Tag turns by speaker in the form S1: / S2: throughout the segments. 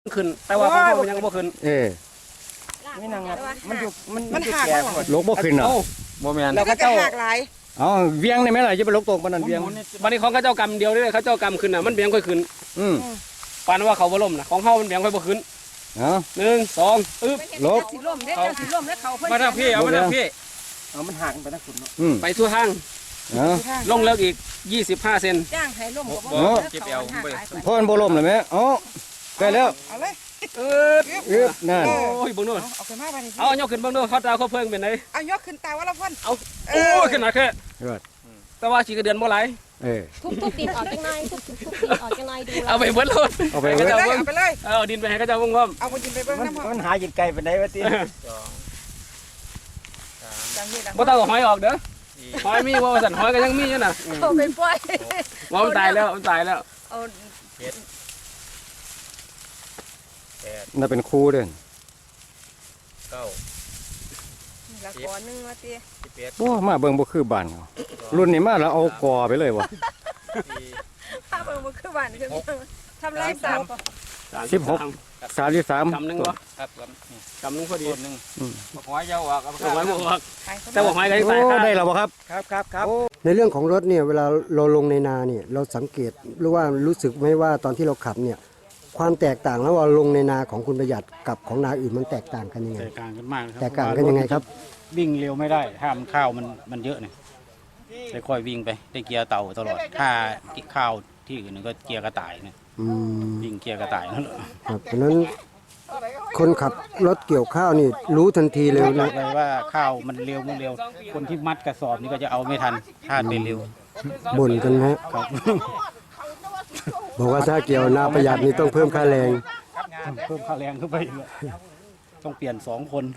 S1: ขึ้นแต่ว่าของเขายังบ่ขึ้น
S2: ไม่นางงัดมัน
S3: หัก
S2: แก่หมด
S4: ลกบ่ขึ้นเหรอ
S1: โมเมนต์
S3: แล้วก็หักหลาย
S4: อ๋อเวียงได้ไหมล่ะจะไปลกตรงปานนั้นเวียง
S1: วันนี้ของเขาเจ้ากรรมเดียวเลยเขาเจ้ากรรมขึ้นน่ะมันเบี่ยงค่อยขึ้นปานว่าเขาบ่ล่มน่ะของเขามันเบี่ยงค่อยบ่ขึ้น1 2อึ๊บ
S4: ลก
S3: สิล่มเด้อเจ้าสิล่มแล้วเขาเพิ่น
S1: มาทางพี่เอามาทางพี่
S2: เอามันหักไปทั้งขุนเนาะ
S1: ไปทั่วทางลงเลิกอีก25 เซน
S3: จ้างให้ล่มก็บ่เก็บเอา
S4: เพราะมันบ่ล่มเลยไหมอ๋อใกล้แล้ว
S3: เอาเลย
S4: นั่น
S1: โอ้ยเบิ่งดู
S3: เอาขึ้นมาบัดนี้
S1: เอายกขึ้นเบิ่งดูเขาตาเขาเพิ่งเป็นไง
S3: เอายกขึ้นตาว่าละพ่น
S1: เอาโอ้ยขึ้นหนักแค่แต่ว่าฉีกระเดือนบ่ไหล
S5: ทุบดินออกจังไงทุบดินออกจังไงดู
S1: เอาไปเบิดรถ
S4: เอาไป
S3: เลยเอาไปเลย
S1: เอาดินไปให้เขาเจ้าเบิ่งพร้อม
S3: เอาไปดินไปเบิ่งน้ำ
S2: มันหายินไกลไปไหนวะตี
S1: บ่ต้องหอยออกเด้อหอยมีว่าสั่นหอยก็ยังมีอยู่น่ะ
S3: เอาไปปล่อย
S1: ว่ามันตายแล้วมันตายแล้ว
S3: เอา
S4: น่าเป็นครูเด้อ
S3: ละก่อนนึงว่าติ
S4: โอ้มาเบิ่งบ่คือบ้านเขารุ่นนี้มาแล้วเอากอไปเลยวะ
S3: ถ้าเบิ่งบ่คือบ้านคือทำไรสาว
S4: 33
S1: กำนึงบ่
S2: ครับ
S1: กำนึงพอดี
S2: นึงหอยยาวออก
S1: หอยบ่ออกแต่ว่าหอยก็ยังตาย
S4: ได้แล้วบ่ครับ
S2: ครับ
S6: ในเรื่องของรถเนี่ยเวลาเราลงในนาเนี่ยเราสังเกตหรือว่ารู้สึกไหมว่าตอนที่เราขับเนี่ยความแตกต่างแล้วว่าลงในนาของคุณประหยัดกับของนาอื่นมันแตกต่างกันยังไง
S7: แตกต่างกันมากครับ
S6: แตกต่างกันยังไงครับ
S7: วิ่งเร็วไม่ได้ห้ามข้าวมันเยอะเนี่ยค่อยๆวิ่งไปได้เกียร์เต่าตลอดถ้าข้าวที่อื่นก็เกียร์กระต่ายเนี่ยวิ่งเกียร์กระต่ายนั่นแหละ
S6: ครับเพราะนั้นคนขับรถเกี่ยวข้าวนี่รู้ทันทีเลยนะ
S7: เลยว่าข้าวมันเร็วคนที่มัดกระสอบนี่ก็จะเอาไม่ทันถ้าเป็นเร็ว
S6: บ่นกันฮะบอกว่าถ้าเกี่ยวนาประหยัดนี่ต้องเพิ่มค่าแรง
S7: เพิ่มค่าแรงขึ้นไปต้องเปลี่ยน2 คน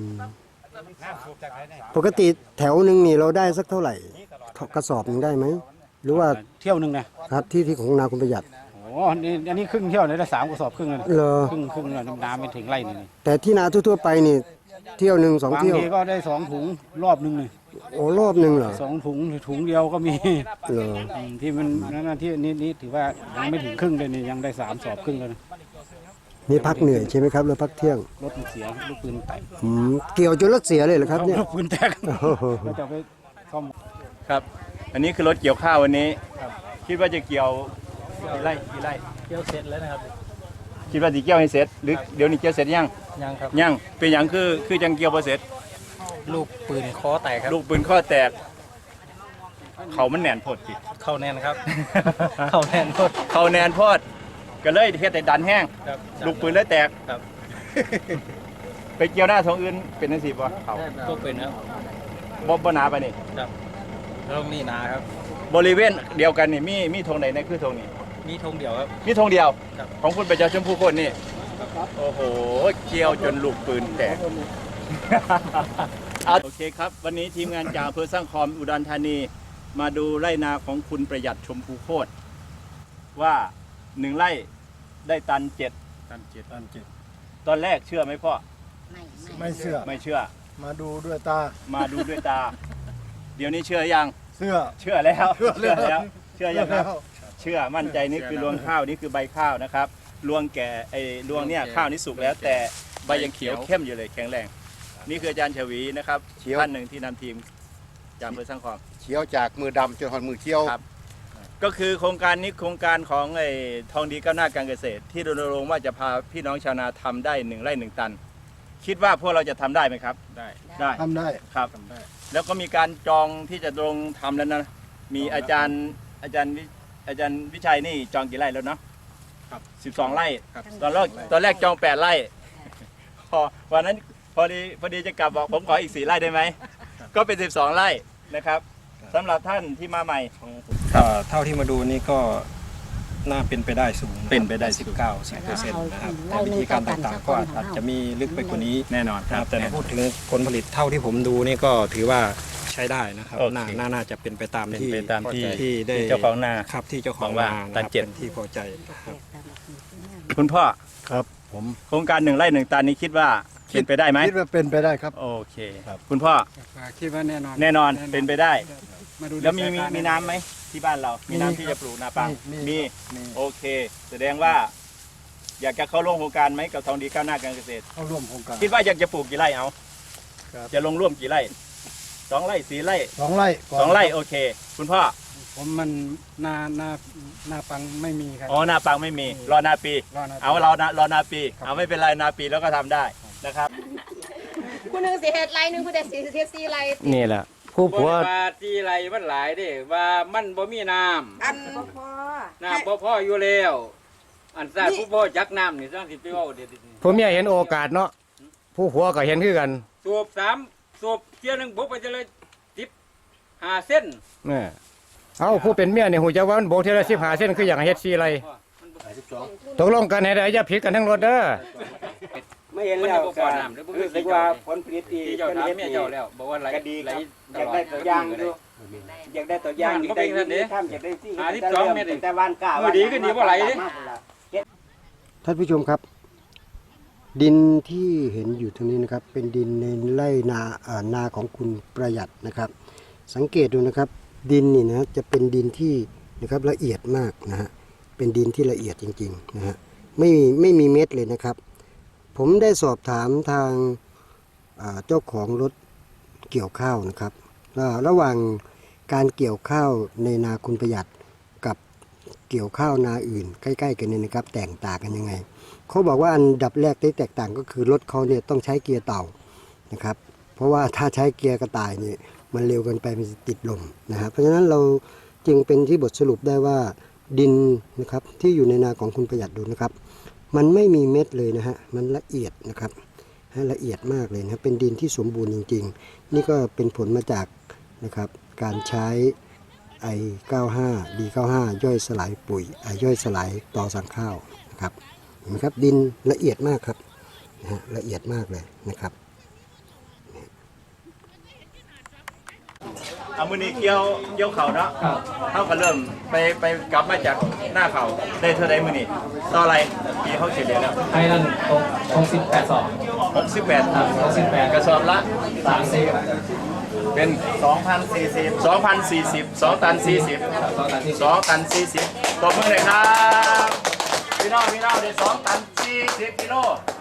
S6: ปกติแถวหนึ่งนี่เราได้สักเท่าไหร่กระสอบหนึ่งได้ไหมหรือว่า
S7: เที่ยวนึงนะครับ
S6: ที่ของนาคุณประหยัด
S7: อันนี้ครึ่งเที่ยวเลยได้3 กระสอบครึ่งเลยครึ่งน้ำไม่ถึงไร่นี่
S6: แต่ที่นาทั่วๆไปนี่เที่ยวหนึ่ง2 เที่ยว
S7: บางทีก็ได้2 ถุงรอบนึงเลย
S6: โอ้รอบนึงเหรอ
S7: 2 ถุงถุงเดียวก็มีที่มันนั่นที่นี่ถือว่ายังไม่ถึงครึ่งเลยนี่ยังได้3 สอบครึ่งเลย
S6: นี่พักเหนื่อยใช่ไหมครับแล้วพักเที่ยง
S7: รถเสียลูกปืนแตก
S6: เกี่ยวจนรถเสียเลยเหรอครับเนี่ย
S7: ลูกปืนแตกก็จะไปซ่อม
S2: ครับอันนี้คือรถเกี่ยวข้าววันนี้คิดว่าจะเกี่ยวกี่ไร่
S7: เกี่ยวเสร็จแล้วนะครับ
S2: คิดว่าจะเกี่ยวให้เสร็จหรือเดี๋ยวนี้เกี่ยวเสร็จยัง
S7: ครับ
S2: ยังเป็นอย่างคือจังเกี่ยวพอเสร็จ
S7: ลูกปืนคอแตกครับ
S2: ลูกปืนข้อแตกเขามันแน่นโพดจิ
S7: เข้าแน่นครับเข้าแน่นโพด
S2: ก็เลยเฮ็ดแต่ดันแห้งลูกปืนเลยแตกไปเกี่ยวหน้าทางอื่นเป็นจังซี่บ่เขา
S7: ก็เป็นครับ
S2: บ่หนาไปนี่
S7: ครับแล้วนี่นาครับ
S2: บริเวณเดียวกันนี่มีธงไหนคือธงนี้
S7: มีธงเดียวครับ
S2: มีธงเดียวของคุณประชาชนผู้คนนี่โอ้โหเกี่ยวจนลูกปืนแตกโอเคครับวันนี้ทีมงานจากอำเภอสร้างคอมอุดรธานีมาดูไร่นาของคุณประหยัดชมพูโคตรว่า1 ไร่ได้ตัน 7ตอนแรกเชื่อไหมพ่อ
S8: ไม่เชื่อมาดูด้วยตา
S2: เดี๋ยวนี้เชื่อยังเชื่อแล้วเชื่อยังครับเชื่อมั่นใจนี่คือรวงข้าวนี่คือใบข้าวนะครับรวงแก่รวงเนี่ยข้าวนี่สุกแล้วแต่ใบยังเขียวเข้มอยู่เลยแข็งแรงนี่คืออาจารย์ชวีนะครับท่านหนึ่งที่นำทีมจากอำเภอสร้างคอม
S8: เขียวจากมือดำจนหอดมือเขียว
S2: ครับก็คือโครงการนี้โครงการของทองดีก้าวหน้าการเกษตรที่รณรงค์ว่าจะพาพี่น้องชาวนาทำได้1 ไร่ 1 ตันคิดว่าพวกเราจะทำได้ไหมครับได้
S8: ทำได้
S2: ครับแล้วก็มีการจองที่จะลงทำแล้วนะมีอาจารย์วิชัยนี่จองกี่ไร่แล้วเนาะ12 ไร่ตอนแรกจอง8 ไร่พอวันนั้นพอดีจะกลับบอกผมขออีก4 ไร่ได้ไหมก็เป็น12 ไร่นะครับสำหรับท่านที่มาใหม่
S9: เท่าที่มาดูนี่ก็น่าเป็นไปได้สูง
S2: เป็นไปได้
S9: 10%นะครับแต่วิธีการต่างๆก็อาจจะมีลึกไปกว่านี้
S2: แน่นอนครับ
S9: แต่พูดถึงผลผลิตเท่าที่ผมดูนี่ก็ถือว่าใช้ได้นะครับน่าจะเป็นไปตามที่ได้
S2: เจ้าของนา
S9: ครับที่เจ้าของนา
S2: ตัน7
S9: ที่พอใจ
S2: คุณพ่อ
S8: ครับผม
S2: โครงการ1 ไร่ 1 ตันนี้คิดว่าเป็นไปได้ไหม
S8: คิดว่าเป็นไปได้ครับ
S2: โอเคคุณพ่อ
S9: คิดว่าแน่
S2: นอนเป็นไปได้แล้วมีน้ำไหมที่บ้านเรามีน้ำที่จะปลูกนาปังมีโอเคแสดงว่าอยากจะเข้าร่วมโครงการไหมกับทองดีก้าวหน้าการเกษตร
S8: เข้าร่วมโครงการ
S2: คิดว่าอยากจะปลูกกี่ไร่เอา
S8: ครับ
S2: จะลงร่วมกี่ไร่2 ไร่ 4 ไร่
S8: 2 ไร่ก่อน
S2: 2 ไร่โอเค คุณพ่อ
S9: ผมมันนาปังไม่มีครับ
S2: อ๋อนาปังไม่มีรอนาปี
S9: รอนาปี
S2: เอาเรารอนาปีเอาไม่เป็นไรนาปีแล้วก็ทำได้นะครับ
S5: คุณหนึ่งสิเฮ็ดไรหนึ่งคุณได้สิเฮ็ดสี่ไร
S4: นี่แหละผู้ผัว
S7: ว่าที่ไรมันหลายเด้ว่ามันบ่มีน้ำ
S3: อันพอ
S7: น้ำบ่พออยู่แล้ว อันซ่าผู้พ่อจักน้ำนี่ต้องสิไปเว้าเด็ด
S4: ผู้เมียเห็นโอกาสเนาะผู้ผัวก็เห็นคือกัน
S7: สูบ3สูบเที่ยหนึงบุกไปจะเลย15เส้น
S4: นี่เอาผู้เป็นเมียเนี่ยหูจะว่ามันโบกเทละ15 เส้นคืออย่างเฮ็ด4 ไรตกลงกันให้ได้อย่าผิดกันทั้งรถเด้อ
S1: ไม่เห็น
S7: มัน
S1: แล้
S7: จะ
S1: ว
S7: บ่พอน้ำเด้อบ่
S1: รู้
S7: คือ
S1: สึ
S7: สิ
S1: กว่า
S7: ว่า
S1: ผลผลิตดี
S7: ที่เจ้าถามเมียเจ้าแล้วบอกว่าไหล
S1: ก็ดี
S7: ไหล
S1: ครับอยากได้ตัวอย่างอยู่อยากได้ตัวอย่างอยากได้วิธีทำอยากได้ที่แต่วันกล้า
S7: มือดีก็ดีบ่ไหลเด้
S6: ท่านผู้ชมครับ ดินที่เห็นอยู่ตรงนี้นะครับ เป็นดินในไร่นาของคุณประหยัดนะครับ สังเกตดูนะครับ ดินนี่นะจะเป็นดินที่นะครับละเอียดมากนะฮะเป็นดินที่ละเอียดจริงๆนะฮะไม่มีเม็ดเลยนะครับ ผมได้สอบถามทางเจ้าของรถเกี่ยวข้าวนะครับว่าระหว่างการเกี่ยวข้าวในนาคุณประหยัดกับเกี่ยวข้าวนาอื่นใกล้ๆกันเนี่ยนะครับแตกต่างกันยังไงเขาบอกว่าอันดับแรกที่แตกต่างก็คือรถเขาเนี่ยต้องใช้เกียร์เต่านะครับเพราะว่าถ้าใช้เกียร์กระต่ายเนี่ยมันเร็วเกินไปมันจะติดลมนะครับเพราะฉะนั้นเราจึงเป็นที่บทสรุปได้ว่าดินนะครับที่อยู่ในนาของคุณประหยัดดูนะครับมันไม่มีเม็ดเลยนะฮะมันละเอียดนะครับละเอียดมากเลยนะเป็นดินที่สมบูรณ์จริงๆนี่ก็เป็นผลมาจากนะครับการใช้I95 D95 ย่อยสลายปุ๋ยย่อยสลายต่อสั่งข้าวนะครับเห็นไหมครับดินละเอียดมากครับนะฮะละเอียดมากเลยนะครับ
S2: เอามือนี้เกี่ยวเข่าเนาะเขาก็เริ่มไปกลับมาจากหน้าเข่าได้เท่าไรมือนี้ต่ออะไรปีเขาเฉลี่ยแล้ว
S1: ให้นั่น68
S2: 68กระสอบละ
S1: 3
S2: เป็น 2,040 2 ตัน 40 2 ตัน 40ตบมือเลยครับพี่น้องได้2 ตัน 40 กิโล